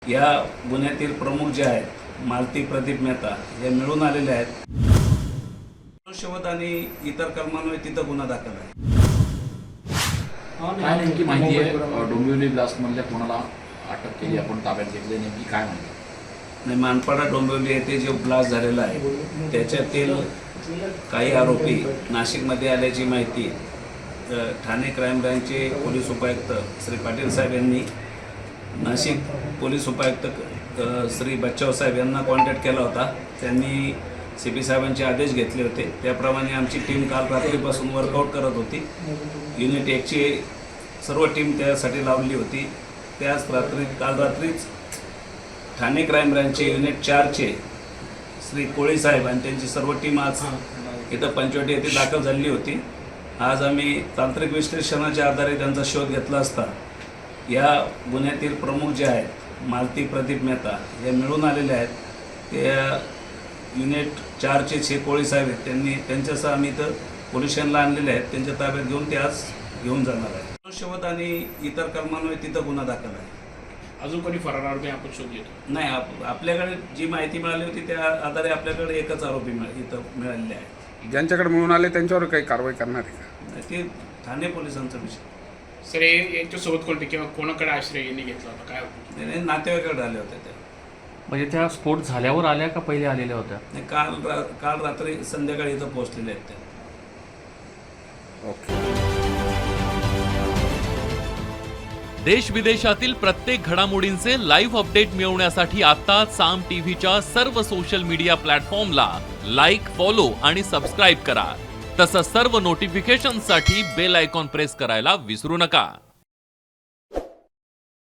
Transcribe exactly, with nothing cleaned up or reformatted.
या गुन्ह्यातील प्रमुख जे आहेत मालती प्रदीप मेहता हे मिळून आलेले आहेत. मनुष्यवध आणि इतर कलमांवर तिथं गुन्हा दाखल आहे. काय नेमकी माहिती आहे? डोंबिवली ब्लास्ट मधल्या कोणाला अटक केली, आपण ताब्यात घेतली, नेमकी काय माहिती? आणि मानपाडा डोंबिवली येथे जो ब्लास्ट झालेला आहे त्याच्यातील काही आरोपी नाशिकमध्ये आल्याची माहिती अ, ठाणे क्राईम ब्रँचचे पोलीस उपायुक्त श्री पाटील साहेब यांनी नाशिक पोलीस उपायुक्त अ, श्री बच्चाव साहेब यांना कॉन्टॅक्ट केला होता. त्यांनी सी पी साहेबांचे आदेश घेतले होते. त्याप्रमाणे आमची टीम काल रात्रीपासून वर्कआउट करत होती. युनिट एकची सर्व टीम त्यासाठी लावली होती. त्याच रात्री काल रात्रीच ठाणे क्राईम ब्रँचचे युनिट चारचे श्री कोळी साहेब आणि त्यांची सर्व टीम आज इथं पंचवटी येथे दाखल झालेली होती. आज आम्ही तांत्रिक विश्लेषणाच्या आधारे त्यांचा शोध घेतला असता या गुन्ह्यातील प्रमुख जे आहेत मालती प्रदीप मेहता हे मिळून आलेले आहेत. ते युनिट चारचे छे कोळी साहेब आहेत, त्यांनी त्यांच्यासह आम्ही इथं पोलीस स्टेशनला आणलेले आहेत. त्यांच्या ताब्यात घेऊन ते आज घेऊन जाणार आहे. मनुष्यवध आणि इतर कलमांवर तिथं गुन्हा दाखल आहे. अजून कोणी फरार आरोपी आपण शोध घेतो? नाही, आप आपल्याकडे जी माहिती मिळाली होती त्या आधारे आपल्याकडे एकच आरोपी मिळ इथं मिळालेले आहे. ज्यांच्याकडे मिळून आले त्यांच्यावर काही कारवाई करणार आहे का? ते ठाणे पोलिसांचा विषय. सर, हे यांच्यासोबत कोणते किंवा कोणाकडे आश्रय यांनी घेतला होता, काय होतं? नाही, नाही, नातेवाईकाकडे आले होते त्या. म्हणजे त्या स्फोट झाल्यावर आल्या का पहिले आलेल्या होत्या? नाही, काल रा काल रात्री संध्याकाळी इथं पोहोचलेले आहेत त्या. ओके. देश विदेशातील प्रत्येक घडामोडींचे लाईव्ह अपडेट मिळवण्यासाठी आता साम टीव्हीच्या सर्व सोशल मीडिया प्लॅटफॉर्मला लाईक, फॉलो आणि सबस्क्राईब करा. तसंच सर्व नोटिफिकेशनसाठी बेल आयकॉन प्रेस करायला विसरू नका.